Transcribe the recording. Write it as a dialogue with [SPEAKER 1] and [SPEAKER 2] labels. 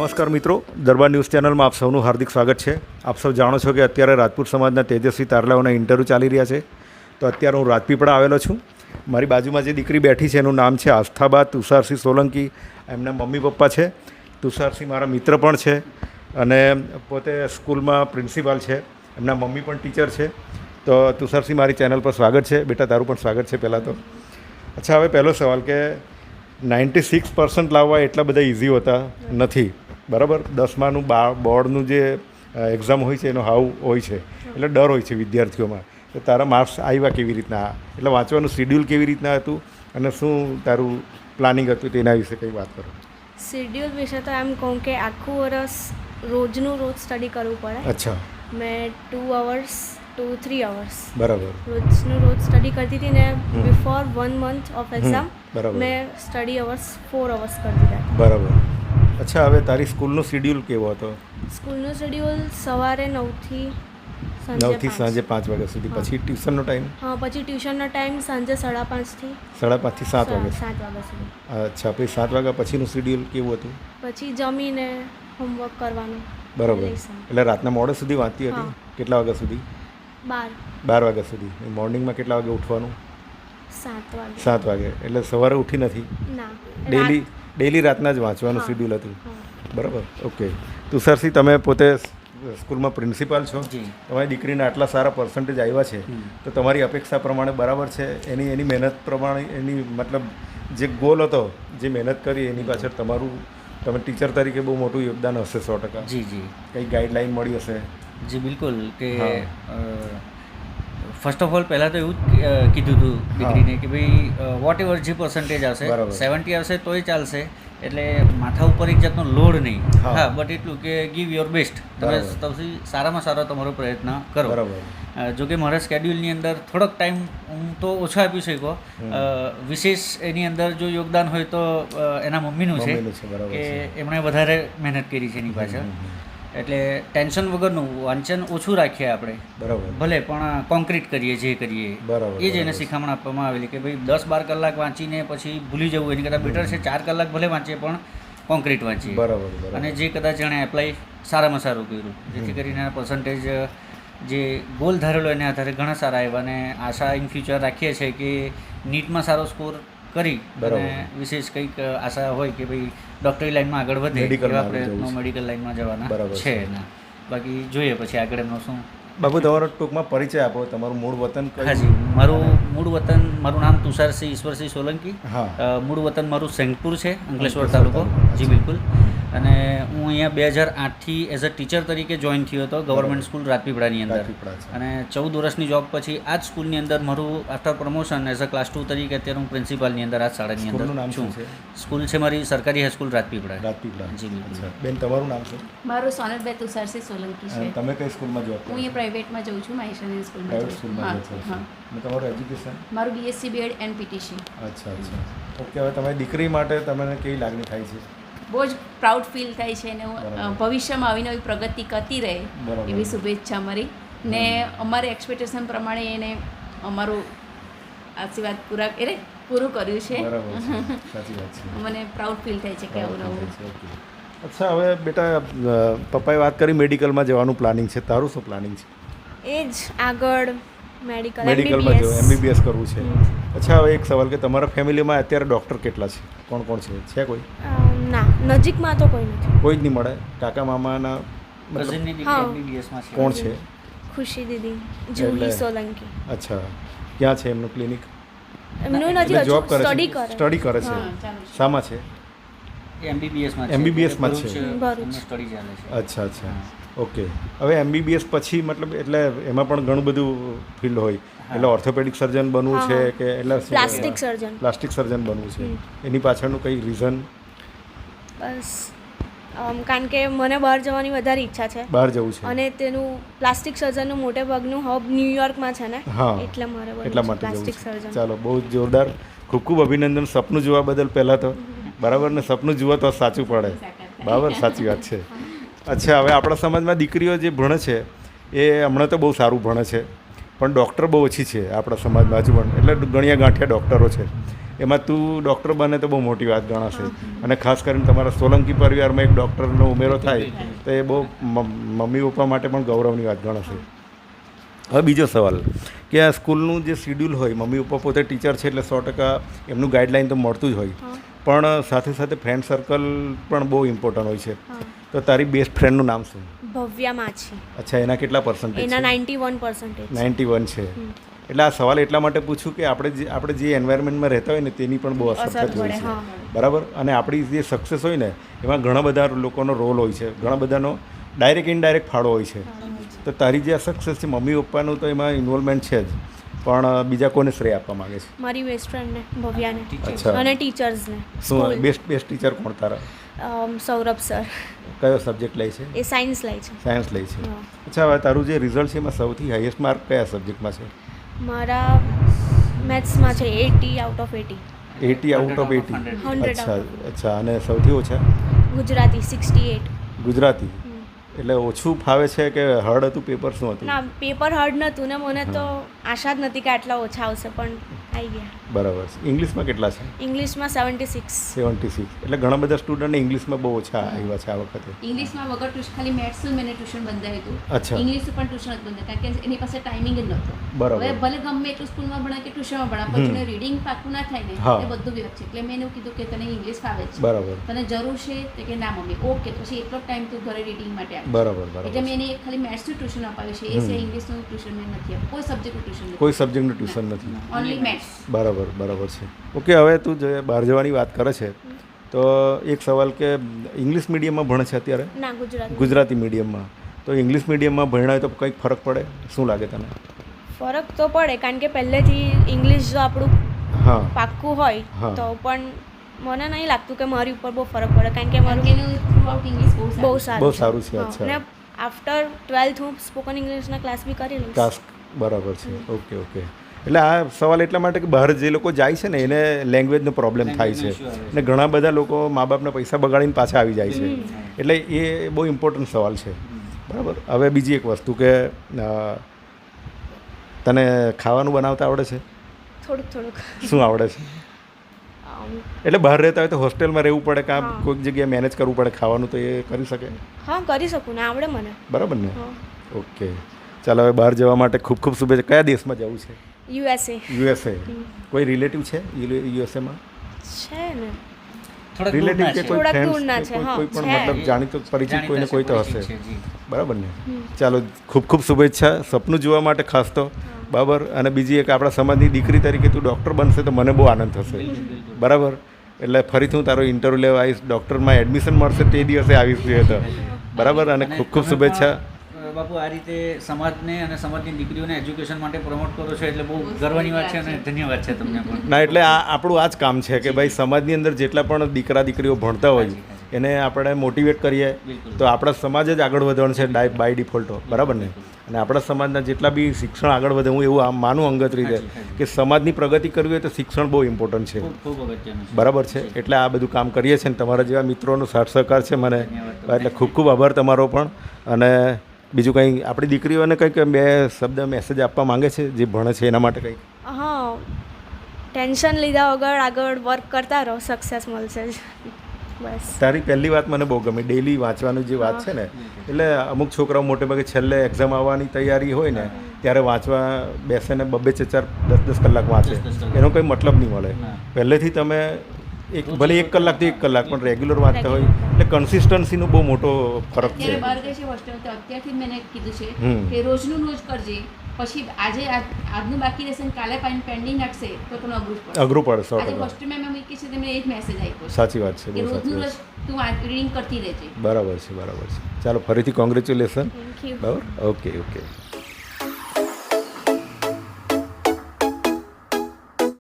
[SPEAKER 1] નમસ્કાર મિત્રો, દરબાર ન્યૂઝ ચેનલમાં આપ સૌનું હાર્દિક સ્વાગત છે. આપ સૌ જાણો છો કે અત્યારે રાજપૂત સમાજના તેજસ્વી તારલાઓના ઇન્ટરવ્યૂ ચાલી રહ્યા છે. તો અત્યારે હું રાજપીપળા આવેલો છું. મારી બાજુમાં જે દીકરી બેઠી છે એનું નામ છે આસ્થાબા તુષારસિંહ સોલંકી. એમના મમ્મી પપ્પા છે. તુષારસિંહ મારા મિત્ર પણ છે અને પોતે સ્કૂલમાં પ્રિન્સિપાલ છે. એમના મમ્મી પણ ટીચર છે. તો તુષારસિંહ, મારી ચેનલ પર સ્વાગત છે. બેટા, તારું પણ સ્વાગત છે પહેલાં તો. અચ્છા, હવે પહેલો સવાલ કે 96% લાવવા એટલા બધા ઇઝી હોતા નથી, બરાબર? 10માનું બોર્ડનું જે એક્ઝામ હોય છે એનો હાવ હોય છે, એટલે ડર હોય છે વિદ્યાર્થીઓમાં. તો તારા માર્ક્સ આવ્યા કેવી રીતના, એટલે વાંચવાનું શિડ્યુલ કેવી રીતના હતું અને શું તારું પ્લાનિંગ હતું તેના વિશે કંઈ વાત કરો.
[SPEAKER 2] શેડ્યુલ વિશે તો એમ કહું કે આખું વર્ષ રોજનું રોજ સ્ટડી કરવું પડે.
[SPEAKER 1] અચ્છા.
[SPEAKER 2] મેં 2 hours to 3 hours
[SPEAKER 1] બરાબર.
[SPEAKER 2] રોજનું રોજ સ્ટડી કરતી હતી ને બિફોર 1 month ઓફ એક્ઝામ
[SPEAKER 1] બરાબર.
[SPEAKER 2] મેં સ્ટડી અવર્સ 4 hours કરી દીધા.
[SPEAKER 1] બરાબર. અચ્છા, હવે તારી સ્કૂલનો શિડ્યુલ કેવો હતો?
[SPEAKER 2] સ્કૂલનું શેડ્યુલ સવારે 9 થી
[SPEAKER 1] સાંજે 5 વાગ્યા સુધી. પછી ટ્યુશનનો ટાઈમ?
[SPEAKER 2] હા, પછી ટ્યુશનનો ટાઈમ સાંજે 5:30 થી
[SPEAKER 1] 5:30 થી 7 વાગ્યા.
[SPEAKER 2] 7 વાગ્યા સુધી.
[SPEAKER 1] અચ્છા, પછી 7 વાગ્યા પછીનું શિડ્યુલ કેવું હતું?
[SPEAKER 2] પછી જમીને હોમવર્ક કરવાનું.
[SPEAKER 1] બરાબર. એટલે રાતના મોડે સુધી વાંચતી હતી? કેટલા વાગ્યા સુધી? 12 વાગ્યા સુધી. મોર્નિંગમાં કેટલા વાગે ઉઠવાનું?
[SPEAKER 2] 7 વાગે.
[SPEAKER 1] 7 વાગે. એટલે સવારે ઉઠી નથી?
[SPEAKER 2] ના,
[SPEAKER 1] ડેલી રાતના જ વાંચવાનું શિડ્યુલ હતું. બરાબર. ઓકે. તુષારસિંહ, તમે પોતે સ્કૂલમાં પ્રિન્સિપાલ છો. તમારી દીકરીને આટલા સારા પર્સન્ટેજ આવ્યા છે, તો તમારી અપેક્ષા પ્રમાણે બરાબર છે? એની મહેનત પ્રમાણે, એની મતલબ જે ગોલ હતો, જે મહેનત કરી એની પાછળ તમારું, તમે ટીચર તરીકે બહુ મોટું યોગદાન હશે 100%.
[SPEAKER 3] જી જી.
[SPEAKER 1] કંઈ ગાઈડલાઈન મળી હશે?
[SPEAKER 3] જી બિલકુલ. કે ફર્સ્ટ ઓફ ઓલ પહેલાં તો એવું જ કીધું હતું દીકરીને કે ભાઈ વોટ એવર જે પર્સન્ટેજ આવશે, 70 આવશે તોય ચાલશે, એટલે માથા ઉપર એક જાતનો લોડ નહીં. હા, બટ એટલું કે ગીવ યોર બેસ્ટ. તમે સૌથી સારામાં સારો તમારો પ્રયત્ન કરો.
[SPEAKER 1] બરાબર.
[SPEAKER 3] જો કે મારા સ્કેડ્યુલની અંદર થોડોક ટાઈમ હું તો ઓછો આપી શકો. વિશેષ એની અંદર જો યોગદાન હોય તો એના મમ્મીનું છે કે એમણે વધારે મહેનત કરી છે એની પાછળ. એટલે ટેન્શન વગરનું વાંચન ઓછું રાખીએ આપણે.
[SPEAKER 1] બરાબર.
[SPEAKER 3] ભલે પણ કોન્ક્રીટ કરીએ જે કરીએ.
[SPEAKER 1] બરાબર.
[SPEAKER 3] એ જ એને શિખામણ આપવામાં આવેલી કે ભાઈ 10-12 કલાક વાંચીને પછી ભૂલી જવું એની કરતાં બેટર છે 4 કલાક ભલે વાંચીએ પણ કોન્ક્રીટ વાંચીએ.
[SPEAKER 1] બરાબર.
[SPEAKER 3] અને જે કદાચ એણે એપ્લાય સારામાં સારું કર્યું, જેથી કરીને એના પર્સન્ટેજ જે ગોલ ધારેલો એને આધારે ઘણા સારા આવ્યા. અને આશા ઇન ફ્યુચર રાખીએ છીએ કે નીટમાં સારો સ્કોર કરી અને વિશેષ કંઈક આશા હોય કે ભાઈ ડૉક્ટરી લાઈનમાં આગળ વધે એવા પ્રયત્નો મેડિકલ લાઈનમાં જવાના છે એના. બાકી જોઈએ પછી આગળ એમનો શું.
[SPEAKER 1] બાબુ, તમારો ટૂંકમાં પરિચય આપો. તમારું મૂળ વતન?
[SPEAKER 3] હાજી, મારું મૂળ વતન, મારું નામ તુષારસિંહ ઈશ્વરસિંહ સોલંકી.
[SPEAKER 1] હા.
[SPEAKER 3] મૂળ વતન મારું સેંગપુર છે, અંકલેશ્વર તાલુકો. જી બિલકુલ. અને હું અહીંયા 2008થી એઝ અ ટીચર તરીકે જોઈન થયો હતો ગવર્મેન્ટ સ્કૂલ રાજપીપળાની અંદર. અને 14 વર્ષની જોબ પછી આ જ સ્કૂલની અંદર મારું after promotion as a class 2 તરીકે અત્યારે હું પ્રિન્સિપાલની અંદર આ શાળાની અંદર છું. સ્કૂલ છે મારી સરકારી હાઈસ્કૂલ રાજપીપળા. જી બિલકુલ.
[SPEAKER 1] બેન, તમારું નામ શું?
[SPEAKER 4] મારું સોનલબેન તુષારસિંહ સોલંકી છે.
[SPEAKER 1] તમે કઈ સ્કૂલમાં જોબ કરો?
[SPEAKER 4] હું અહીંયા પ્રાઇવેટમાં જઉં છું, મહેસાણા સ્કૂલમાં.
[SPEAKER 1] પ્રાઇવેટ સ્કૂલમાં જો છો. અને તમારું એજ્યુકેશન?
[SPEAKER 4] મારું BSc BEd and PTC.
[SPEAKER 1] અચ્છા. ઓકે. હવે તમારી દીકરી માટે તમને કેવી લાગણી થાય છે?
[SPEAKER 4] બહુ જ પ્રાઉડ ફીલ થાય છે અને ભવિષ્યમાં આવી નવી પ્રગતિ કરતી રહે એવી શુભેચ્છા અમારી. ને અમારે એક્સપેક્ટેશન પ્રમાણે એને અમારું આશીર્વાદ પૂરું કર્યું છે.
[SPEAKER 1] સાચી વાત છે.
[SPEAKER 4] મને પ્રાઉડ ફીલ થાય છે કે આવું નવું.
[SPEAKER 1] અચ્છા, હવે બેટા, પપ્પાએ વાત કરી મેડિકલમાં જવાનું પ્લાનિંગ છે. તારું શું પ્લાનિંગ છે?
[SPEAKER 2] એ જ આગળ
[SPEAKER 1] મેડિકલમાં જવું, MBBS કરવું છે. અચ્છા, હવે એક સવાલ કે તમારા ફેમિલીમાં અત્યારે ડૉક્ટર કેટલા છે? કોણ કોણ છે કોઈ?
[SPEAKER 2] ના, નજીકમાં તો કોઈ નથી.
[SPEAKER 1] કોઈ જ નહીં મળે? કાકા મામાના કોણ છે?
[SPEAKER 2] ખુશી દીદી, જુહી સોલંકી.
[SPEAKER 1] અચ્છા. ક્યાં છે એમનું ક્લિનિક?
[SPEAKER 2] એમનું નથી,
[SPEAKER 1] જોબ કરે છે?
[SPEAKER 2] સ્ટડી કરે
[SPEAKER 1] છે. શામાં છે? MBBSમાં છે.
[SPEAKER 3] સ્ટડી ચાલે છે.
[SPEAKER 1] અચ્છા. ઓકે. હવે MBBS પછી મતલબ એટલે એમાં પણ ઘણું બધું ફિલ્ડ હોય. એટલે ઓર્થોપેડિક સર્જન બનવું છે કે એટલે પ્લાસ્ટિક સર્જન બનવું છે? એની પાછળનું કંઈ રીઝન?
[SPEAKER 2] બસ કારણ કે મને બહાર જવાની વધારે ઈચ્છા છે.
[SPEAKER 1] બહાર જવું છે
[SPEAKER 2] અને તેનું પ્લાસ્ટિક સર્જનનું મોટે ભાગનું હબ ન્યુયોર્કમાં છે ને, એટલે મારે
[SPEAKER 1] એટલા માટે
[SPEAKER 2] પ્લાસ્ટિક સર્જન.
[SPEAKER 1] ચાલો, બહુ જોરદાર. ખૂબ ખૂબ અભિનંદન સપનું જોવા બદલ પહેલાં તો. બરાબર ને? સપનું જુઓ તો સાચું પડે. બરાબર, સાચી વાત છે. અચ્છા, હવે આપણા સમાજમાં દીકરીઓ જે ભણે છે એ હમણાં તો બહુ સારું ભણે છે, પણ ડૉક્ટર બહુ ઓછી છે આપણા સમાજમાં હજુ પણ. એટલે ગણ્યા ગાંઠિયા ડૉક્ટરો છે. એમાં તું ડૉક્ટર બને તો બહુ મોટી વાત ગણાશે. અને ખાસ કરીને તમારા સોલંકી પરિવારમાં એક ડૉક્ટરનો ઉમેરો થાય તો એ બહુ મમ્મી પપ્પા માટે પણ ગૌરવની વાત ગણાશે. હવે બીજો સવાલ કે આ સ્કૂલનું જે શિડ્યુલ હોય, મમ્મી પપ્પા પોતે ટીચર છે એટલે 100% એમનું ગાઈડલાઈન તો મળતું જ હોય, પણ સાથે સાથે ફ્રેન્ડ સર્કલ પણ બહુ ઇમ્પોર્ટન્ટ હોય છે. તો તારી બેસ્ટ ફ્રેન્ડનું નામ શું?
[SPEAKER 2] ભવ્યા માછી.
[SPEAKER 1] અચ્છા, એના કેટલા પર્સન્ટેજ?
[SPEAKER 2] એના 91%.
[SPEAKER 1] 91 છે. એટલે આ સવાલ એટલા માટે પૂછું કે આપણે જે એન્વાયરમેન્ટમાં રહેતા હોય ને તેની પણ બહુ અસર થતી હોય છે, બરાબર. અને આપણી જે સક્સેસ હોય ને એમાં ઘણા બધા લોકોનો રોલ હોય છે, ઘણા બધાનો ડાયરેક્ટ ઇનડાયરેક્ટ ફાળો હોય છે. તો તારી જે આ સક્સેસ છે, મમ્મી પપ્પાનું તો એમાં ઇન્વોલ્વમેન્ટ છે જ, પણ બીજા કોને શ્રેય આપવા માંગે છે?
[SPEAKER 2] મારી બેસ્ટ ફ્રેન્ડને ભવ્યાને.
[SPEAKER 1] અચ્છા.
[SPEAKER 2] અને ટીચર્સને.
[SPEAKER 1] શું બેસ્ટ ટીચર કોણ તારા?
[SPEAKER 2] સૌરભ સર.
[SPEAKER 1] કયો સબ્જેક્ટ લે છે?
[SPEAKER 2] એ સાયન્સ લે છે.
[SPEAKER 1] સાયન્સ લે છે. અચ્છા, હવે તારું જે રિઝલ્ટ છે એમાં સૌથી હાઈએસ્ટ માર્ક કયા સબ્જેક્ટમાં છે?
[SPEAKER 2] મારા મેથ્સમાં છે 80 આઉટ ઓફ 80.
[SPEAKER 1] 80 out of 80.
[SPEAKER 2] 100
[SPEAKER 1] અચ્છા અચ્છા. અને સૌથી ઓછા?
[SPEAKER 2] ગુજરાતી 68.
[SPEAKER 1] ગુજરાતી. એટલે ઓછું ફાવે છે કે હાર્ડ હતું પેપર? શું હતું?
[SPEAKER 2] ના, પેપર હાર્ડ નહોતું ને મને તો આશા જ નથી કે આટલા ઓછા આવશે, પણ આવી ગયા.
[SPEAKER 1] બરાબર છે. ઇંગ્લિશમાં કેટલા છે?
[SPEAKER 2] ઇંગ્લિશમાં 76.
[SPEAKER 1] 76. એટલે ઘણા બધા સ્ટુડન્ટને ઇંગ્લિશમાં બહુ ઓછા આવ્યા છે આ વખતે.
[SPEAKER 4] ઇંગ્લિશમાં વગર ટ્યુશન, ખાલી મેથ્સનું મેં ટ્યુશન બંધાવ્યું હતું.
[SPEAKER 1] અચ્છા.
[SPEAKER 4] ઇંગ્લિશનું પણ ટ્યુશન જ બંધ, કારણ કે એની પાસે ટાઈમિંગ જ નહોતો.
[SPEAKER 1] બરાબર.
[SPEAKER 4] હવે ભલે ગમે એટલું સ્કૂલમાં ભણા કે ટ્યુશનમાં ભણા, પણ એને રીડિંગ પાકું ના થાય ને
[SPEAKER 1] હા.
[SPEAKER 4] એ બધું વ્યર્થ છે. એટલે મેં એને કીધું કે તને ઇંગ્લિશ ફાવે છે,
[SPEAKER 1] બરાબર
[SPEAKER 4] તને જરૂર છે? તો કે ના મમ્મી. ઓકે, પછી એટલો ટાઈમ તું ઘરે રીડિંગ માટે આપ.
[SPEAKER 1] બરાબર
[SPEAKER 4] એટલે
[SPEAKER 1] બરાબર.
[SPEAKER 4] મેં એને ખાલી મેથ્સનું ટ્યુશન અપાવ્યું છે. એ સિવાય ઇંગ્લિશનું ટ્યુશન મેં નથી આપ્યું. કોઈ સબ્જેક્ટનું ટ્યુશન નથી.
[SPEAKER 1] કોઈ સબ્જેક્ટનું ટ્યુશન નથી.
[SPEAKER 4] Only maths.
[SPEAKER 1] બરાબર બરાબર છે. ઓકે, હવે તું જે બહાર જવાની વાત કરે છે તો એક સવાલ કે ઇંગ્લિશ મીડિયમમાં ભણે છે અત્યારે?
[SPEAKER 2] ના, ગુજરાતી.
[SPEAKER 1] ગુજરાતી મીડિયમમાં. તો ઇંગ્લિશ મીડિયમમાં ભણ્યા હોય તો કંઈક ફરક પડે? શું લાગે તને?
[SPEAKER 2] ફરક તો પડે, કારણ કે પહેલેથી ઇંગ્લિશ જો આપણું
[SPEAKER 1] હા
[SPEAKER 2] પાક્કું હોય
[SPEAKER 1] હા.
[SPEAKER 2] તો પણ મને નહીં લાગતું કે મારી ઉપર બહુ ફરક પડે, કારણ કે
[SPEAKER 4] કારણ
[SPEAKER 2] મારું
[SPEAKER 4] કે એનું થ્રુઆઉટ ઇંગ્લિશ બહુ
[SPEAKER 2] બહુ
[SPEAKER 4] સારું.
[SPEAKER 1] બહુ
[SPEAKER 2] સારું
[SPEAKER 1] સારું છે.
[SPEAKER 2] અને
[SPEAKER 1] અચ્છા.
[SPEAKER 2] આફ્ટર 12th હું સ્પોકન ઇંગ્લિશના ક્લાસ બી કરી લઈશ.
[SPEAKER 1] ટાસ્ક બરાબર છે. Okay okay. એટલે આ સવાલ એટલા માટે કે બહાર જે લોકો જાય છે ને એને લેંગ્વેજનો પ્રોબ્લેમ થાય છે, અને ઘણા બધા લોકો મા બાપના પૈસા બગાડીને પાછા આવી જાય છે. એટલે એ બહુ ઇમ્પોર્ટન્ટ સવાલ છે, બરાબર. હવે બીજી એક વસ્તુ કે તને ખાવાનું બનાવતા આવડે છે?
[SPEAKER 2] થોડુંક થોડુંક.
[SPEAKER 1] શું આવડે છે? એટલે બહાર રહેતા હોય તો હોસ્ટેલમાં રહેવું પડે કે
[SPEAKER 2] હા.
[SPEAKER 1] કોઈક જગ્યાએ મેનેજ કરવું પડે ખાવાનું, તો એ કરી શકે?
[SPEAKER 2] હા, કરી શકું ને, આવડે મને.
[SPEAKER 1] બરાબર ને?
[SPEAKER 2] હા.
[SPEAKER 1] ઓકે, ચાલો. હવે બહાર જવા માટે ખૂબ ખૂબ શુભેચ્છા. કયા દેશમાં જવું છે?
[SPEAKER 2] USA.
[SPEAKER 1] યુએસએ. કોઈ રિલેટિવ છે યુએસએમાં?
[SPEAKER 2] છે ને.
[SPEAKER 3] થોડાક
[SPEAKER 1] રિલેટિવ
[SPEAKER 3] દૂરના
[SPEAKER 1] કે
[SPEAKER 3] છે.
[SPEAKER 1] કોઈ
[SPEAKER 2] થોડાક
[SPEAKER 1] ફ્રેન્ડ્સ
[SPEAKER 2] દૂરના
[SPEAKER 1] કે
[SPEAKER 2] છે, હા,
[SPEAKER 1] કોઈ પણ
[SPEAKER 2] છે.
[SPEAKER 1] મતલબ જાણીતો પરિચિત કોઈને કોઈ તો હશે,
[SPEAKER 3] છે, જી.
[SPEAKER 1] બરાબર ને? ચાલો, ખૂબ ખૂબ શુભેચ્છા સપનું જોવા માટે ખાસ તો, બરાબર. અને બીજી એક આપણા સમાજની દીકરી તરીકે તું ડૉક્ટર બનશે તો મને બહુ આનંદ થશે, બરાબર. એટલે ફરીથી હું તારો ઇન્ટરવ્યૂ લેવા આવીશ, ડૉક્ટરમાં એડમિશન મળશે તે દિવસે આવીશ જોઈએ તો, બરાબર. અને ખૂબ ખૂબ શુભેચ્છા.
[SPEAKER 3] બાપુ, આ રીતે સમાજને અને સમાજની દીકરીઓને એજ્યુકેશન માટે પ્રમોટ કરો છો એટલે બહુ ગર્વની વાત છે અને ધન્યવાદ છે તમને પણ.
[SPEAKER 1] ના, એટલે આ આપણું આ જ કામ છે કે ભાઈ સમાજની અંદર જેટલા પણ દીકરા દીકરીઓ ભણતા હોય એને આપણે મોટિવેટ કરીએ તો આપણા સમાજ જ આગળ વધવાનું છે બાય ડિફોલ્ટો, બરાબર ને? અને આપણા સમાજના જેટલા બી શિક્ષણ આગળ વધે, હું એવું માનું અંગત રીતે કે સમાજની પ્રગતિ કરવી હોય તો શિક્ષણ બહુ ઇમ્પોર્ટન્ટ છે,
[SPEAKER 3] ખૂબ અગત્યનું છે.
[SPEAKER 1] બરાબર છે. એટલે આ બધું કામ કરીએ છીએ ને તમારા જેવા મિત્રોનો સાથ સહકાર છે મને, એટલે ખૂબ ખૂબ આભાર તમારો પણ. અને બીજું કંઈ આપણી દીકરીઓને કંઈક બે શબ્દ મેસેજ આપવા માંગે છે જે ભણે છે એના માટે કંઈક?
[SPEAKER 2] હા, ટેન્શન લીધા વગર આગળ વર્ક કરતા રહો, સક્સેસ મળશે જ. બસ.
[SPEAKER 1] તારી પહેલી વાત મને બહુ ગમી, ડેલી વાંચવાની જે વાત છે ને. એટલે અમુક છોકરાઓ મોટે ભાગે છેલ્લે એક્ઝામ આવવાની તૈયારી હોય ને ત્યારે વાંચવા બેસે ને 2-4 10 કલાક વાંચે, એનો કોઈ મતલબ નહીં મળે. પહેલેથી તમે ભલે 1 કલાકથી 1 કલાક પણ રેગ્યુલર વાંચતા હોય એટલે કન્સિસ્ટન્સીનો બહુ મોટો ફરક છે.
[SPEAKER 4] અત્યારે બહાર ગઈ છે હોસ્ટેલ, તો અત્યારથી જ મેં કીધું છે કે રોજનું રોજ કરજે, પછી આજનું બાકી રહેશે ને કાલે પેન્ડિંગ નાખશે તો તને
[SPEAKER 1] અઘરું પડે.
[SPEAKER 4] આજે હોસ્ટેલમાં મેં મૂકી છે, તેમને એ જ મેસેજ આપ્યો છે.
[SPEAKER 1] સાચી વાત છે,
[SPEAKER 4] કે
[SPEAKER 1] બહુ સાચી
[SPEAKER 4] રોજનું
[SPEAKER 1] વાત
[SPEAKER 4] રોજ તું રીડિંગ કરતી રહેજે.
[SPEAKER 1] છે. બરાબર છે, બરાબર છે. ચાલો, ફરીથી કોંગ્રેચ્યુલેશન.
[SPEAKER 2] Thank you.
[SPEAKER 1] બરાબર. Okay okay.